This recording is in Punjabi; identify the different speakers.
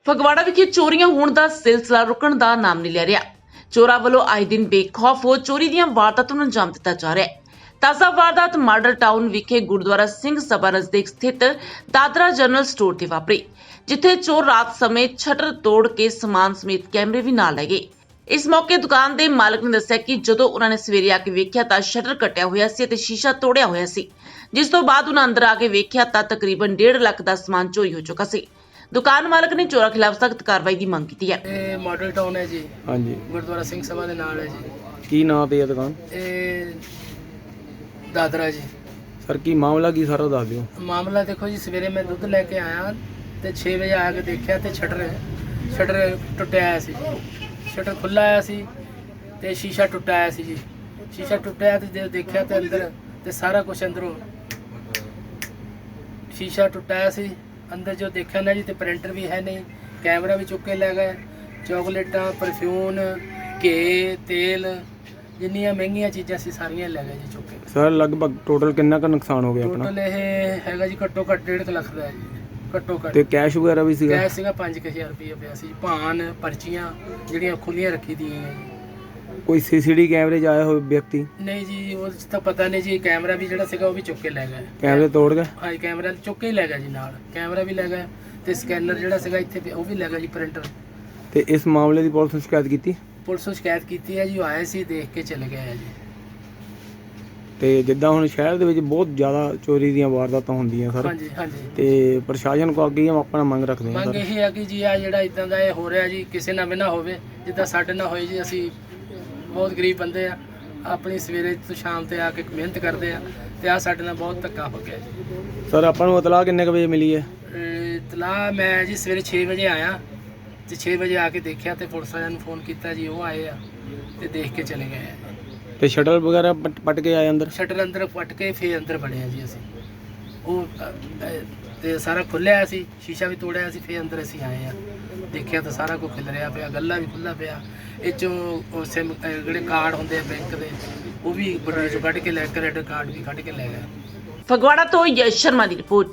Speaker 1: ਫਗਵਾੜਾ ਵਿਖੇ ਚੋਰੀਆਂ ਹੋਣ ਦਾ ਸਿਲਸਿਲਾ ਰੁਕਣ ਦਾ ਨਾਮ ਨਹੀਂ ਲੈ ਰਿਹਾ। ਚੋਰਾਂ ਵੱਲੋਂ ਆਏ ਦਿਨ ਬੇਖੌਫ ਹੋ ਚੋਰੀ ਦੀਆਂ ਵਾਰਦਾਤਾਂ ਨੂੰ ਅੰਜਾਮ ਦਿੱਤਾ ਜਾ ਰਿਹਾ ਹੈ। ਤਾਜ਼ਾ ਵਾਰਦਾਤ ਮਾਡਲ ਟਾਊਨ ਵਿਖੇ ਗੁਰਦੁਆਰਾ ਸਿੰਘ ਸਭਾ ਨਜ਼ਦੀਕ ਸਥਿਤ ਦਾਦਰਾ ਜਨਰਲ ਸਟੋਰ ਤੇ ਵਾਪਰੀ, ਜਿੱਥੇ ਚੋਰ ਰਾਤ ਸਮੇਂ ਸ਼ਟਰ ਤੋੜ ਕੇ ਸਮਾਨ ਸਮੇਤ ਕੈਮਰੇ ਵੀ ਨਾਲ ਲੈ ਗਏ। ਇਸ ਮੌਕੇ ਦੁਕਾਨ ਦੇ ਮਾਲਕ ਨੇ ਦੱਸਿਆ ਕਿ ਜਦੋਂ ਉਹਨਾਂ ਨੇ ਸਵੇਰੇ ਆ ਕੇ ਵੇਖਿਆ ਤਾਂ ਸ਼ਟਰ ਕੱਟਿਆ ਹੋਇਆ ਸੀ ਅਤੇ ਸ਼ੀਸ਼ਾ ਤੋੜਿਆ ਹੋਇਆ ਸੀ, ਜਿਸ ਤੋਂ ਬਾਅਦ ਉਹਨਾਂ ਅੰਦਰ ਆ ਕੇ ਵੇਖਿਆ ਤਾਂ ਤਕਰੀਬਨ 1.5 ਲੱਖ ਦਾ ਸਮਾਨ ਚੋਰੀ ਹੋ ਚੁੱਕਾ ਸੀ। ਦੁਕਾਨ ਮਾਲਕ ਨੇ ਚੋਰਾਂ ਖਿਲਾਫ ਸਖਤ ਕਾਰਵਾਈ ਦੀ ਮੰਗ ਕੀਤੀ ਹੈ।
Speaker 2: ਇਹ ਮਾਡਲ ਟਾਊਨ ਹੈ ਜੀ,
Speaker 3: ਹਾਂਜੀ,
Speaker 2: ਗੁਰਦੁਆਰਾ ਸਿੰਘ ਸਭਾ ਦੇ ਨਾਲ ਹੈ ਜੀ।
Speaker 3: ਕੀ ਨਾਂ ਤੇ ਹੈ ਦੁਕਾਨ?
Speaker 2: ਇਹ ਦਾਦਰਾ ਜੀ।
Speaker 3: ਸਰ ਕੀ ਮਾਮਲਾ ਕੀ ਸਾਰਾ ਦੱਸ ਦਿਓ।
Speaker 2: ਮਾਮਲਾ ਦੇਖੋ ਜੀ, ਸਵੇਰੇ ਮੈਂ ਦੁੱਧ ਲੈ ਕੇ ਆਇਆ ਤੇ 6 ਵਜੇ ਆ ਕੇ ਦੇਖਿਆ ਤੇ ਸ਼ਟਰ ਟੁੱਟਿਆ ਆਇਆ ਸੀ। ਸ਼ਟਰ ਖੁੱਲਾ ਆਇਆ ਸੀ ਤੇ ਸ਼ੀਸ਼ਾ ਟੁੱਟਾ ਆਇਆ ਸੀ ਜੀ। ਸ਼ੀਸ਼ਾ ਟੁੱਟਿਆ ਤੇ ਜਦੋਂ ਦੇਖਿਆ ਤੇ ਅੰਦਰ ਤੇ ਸਾਰਾ ਕੁਝ ਅੰਦਰੋਂ ਸ਼ੀਸ਼ਾ ਟੁੱਟਾ ਆਇਆ ਸੀ। ਅੰਦਰ ਜੋ ਦੇਖਿਆ ਨਾ ਜੀ ਤੇ ਪ੍ਰਿੰਟਰ ਵੀ ਹੈ ਨਹੀਂ, ਕੈਮਰਾ ਵੀ ਚੁੱਕ ਕੇ ਲੈ ਗਏ। ਚਾਕਲੇਟਾਂ, ਪਰਫਿਊਮ, ਘੇ, ਤੇਲ, ਜਿੰਨੀਆਂ ਮਹਿੰਗੀਆਂ ਚੀਜ਼ਾਂ ਸੀ ਸਾਰੀਆਂ ਲੈ ਗਏ ਜੀ ਚੁੱਕ ਕੇ।
Speaker 3: ਸਰ ਲਗਭਗ ਟੋਟਲ ਕਿੰਨਾ ਕੁ ਨੁਕਸਾਨ ਹੋ ਗਿਆ ਆਪਣਾ?
Speaker 2: ਟੋਟਲ ਇਹ ਹੈਗਾ ਜੀ ਘੱਟੋ ਘੱਟ 1.5 ਲੱਖ ਦਾ ਹੈ ਜੀ, ਘੱਟੋ ਘੱਟ।
Speaker 3: ਤੇ ਕੈਸ਼ ਵਗੈਰਾ ਵੀ ਸੀਗਾ?
Speaker 2: ਕੈਸ਼ ਸੀਗਾ 5000 ਰੁਪਏ ਪਿਆ ਸੀ। ਭਾਨ, ਪਰਚੀਆਂ ਜਿਹੜੀਆਂ ਖੁੱਲੀਆਂ ਰੱਖੀ ਦੀਆਂ ਹੈ ਜੀ।
Speaker 3: ਕੋਈ ਸੀਸੀਟੀ ਕੈਮਰੇ 'ਚ ਆਇਆ ਹੋਵੇ ਵਿਅਕਤੀ?
Speaker 2: ਨਹੀਂ ਜੀ, ਉਹ ਤਾਂ ਪਤਾ ਨਹੀਂ ਜੀ। ਕੈਮਰਾ ਵੀ ਜਿਹੜਾ ਸੀਗਾ ਉਹ ਵੀ ਚੁੱਕ ਕੇ ਲੈ ਗਏ।
Speaker 3: ਕੈਮਰੇ ਤੋੜ ਗਏ?
Speaker 2: ਹਾਂ, ਕੈਮਰਾ ਚੁੱਕ ਕੇ ਹੀ ਲੈ ਗਿਆ ਜੀ, ਨਾਲ ਕੈਮਰਾ ਵੀ ਲੈ ਗਿਆ ਤੇ ਸਕੈਨਰ ਜਿਹੜਾ ਸੀਗਾ ਇੱਥੇ ਪਿਆ ਉਹ ਵੀ ਲੈ ਗਿਆ ਜੀ, ਪ੍ਰਿੰਟਰ।
Speaker 3: ਤੇ ਇਸ ਮਾਮਲੇ ਦੀ ਪੁਲਿਸ ਨੂੰ ਸ਼ਿਕਾਇਤ ਕੀਤੀ?
Speaker 2: ਪੁਲਿਸ ਨੂੰ ਸ਼ਿਕਾਇਤ ਕੀਤੀ ਹੈ ਜੀ, ਉਹ ਆਏ ਸੀ, ਦੇਖ ਕੇ ਚਲੇ ਗਏ ਹੈ ਜੀ।
Speaker 3: ਤੇ ਜਿੱਦਾਂ ਹੁਣ ਸ਼ਹਿਰ ਦੇ ਵਿੱਚ ਬਹੁਤ ਜ਼ਿਆਦਾ ਚੋਰੀ ਦੀਆਂ ਵਾਰਦਾਤਾਂ ਹੁੰਦੀਆਂ ਸਰ,
Speaker 2: ਹਾਂਜੀ ਹਾਂਜੀ।
Speaker 3: ਤੇ ਪ੍ਰਸ਼ਾਸਨ ਕੋਲ ਅੱਗੇ ਆਪਣਾ ਮੰਗ ਰੱਖਦੇ ਹਾਂ
Speaker 2: ਮੰਗ
Speaker 3: ਸਰ।
Speaker 2: ਇਹ ਹੈ ਕਿ ਜੀ ਆ ਜਿਹੜਾ ਇਦਾਂ ਦਾ ਇਹ ਹੋ ਰਿਹਾ ਜੀ, ਕਿਸੇ ਨਾਲ ਵੀ ਨਾ ਹੋਵੇ, ਜਿੱਦਾਂ ਸਾਡੇ ਨਾਲ ਹੋਈ ਜੀ। ਅਸੀਂ ਬਹੁਤ ਗਰੀਬ ਬੰਦੇ ਆ, ਆਪਣੀ ਸਵੇਰੇ ਤੋਂ ਸ਼ਾਮ ਤੇ ਆ ਕੇ ਮਿਹਨਤ ਕਰਦੇ ਆ ਤੇ ਆ ਸਾਡੇ ਨਾਲ ਬਹੁਤ ਧੱਕਾ ਹੋ ਗਿਆ ਜੀ।
Speaker 3: ਸਰ ਆਪਾਂ ਨੂੰ ਇਤਲਾਹ ਕਿੰਨੇ ਕੁ ਵਜੇ ਮਿਲੀ ਹੈ?
Speaker 2: ਇਤਲਾਹ ਮੈਂ ਜੀ ਸਵੇਰੇ 6 ਵਜੇ ਆਇਆ ਤੇ 6 ਵਜੇ ਆ ਕੇ ਦੇਖਿਆ ਤੇ ਪੁਲਿਸ ਵਾਲਿਆਂ ਨੂੰ ਫੋਨ ਕੀਤਾ ਜੀ, ਉਹ ਆਏ ਆ ਤੇ ਦੇਖ ਕੇ ਚਲੇ ਗਏ ਆ।
Speaker 3: ਤੇ ਸ਼ਟਰ ਵਗੈਰਾ ਪਟ ਕੇ ਆਏ ਅੰਦਰ?
Speaker 2: ਸ਼ਟਰ ਅੰਦਰ ਪਟ ਕੇ ਫੇਰ ਅੰਦਰ ਵੜੇ ਆ ਜੀ ਅਸੀਂ। ਉਹ ਤੇ ਸਾਰਾ ਖੁੱਲਿਆ ਸੀ, ਸ਼ੀਸ਼ਾ ਵੀ ਤੋੜਿਆ ਸੀ। ਫੇਰ ਅੰਦਰ ਅਸੀਂ ਆਏ ਆ, ਦੇਖਿਆ ਤਾਂ ਸਾਰਾ ਕੁਝ ਖਿਲ ਰਿਹਾ ਪਿਆ, ਗੱਲਾ ਵੀ ਖੁੱਲਾ ਪਿਆ। ਇਹ 'ਚੋਂ ਸਿਮ ਜਿਹੜੇ ਕਾਰਡ ਹੁੰਦੇ ਆ ਬੈਂਕ ਦੇ, ਉਹ ਵੀ ਬਟੂਏ 'ਚੋਂ ਕੱਢ ਕੇ ਲੈ, ਕ੍ਰੈਡਿਟ ਕਾਰਡ ਵੀ ਕੱਢ ਕੇ ਲੈ ਗਏ।
Speaker 1: ਫਗਵਾੜਾ ਤੋਂ ਯਸ਼ ਸ਼ਰਮਾ ਦੀ ਰਿਪੋਰਟ।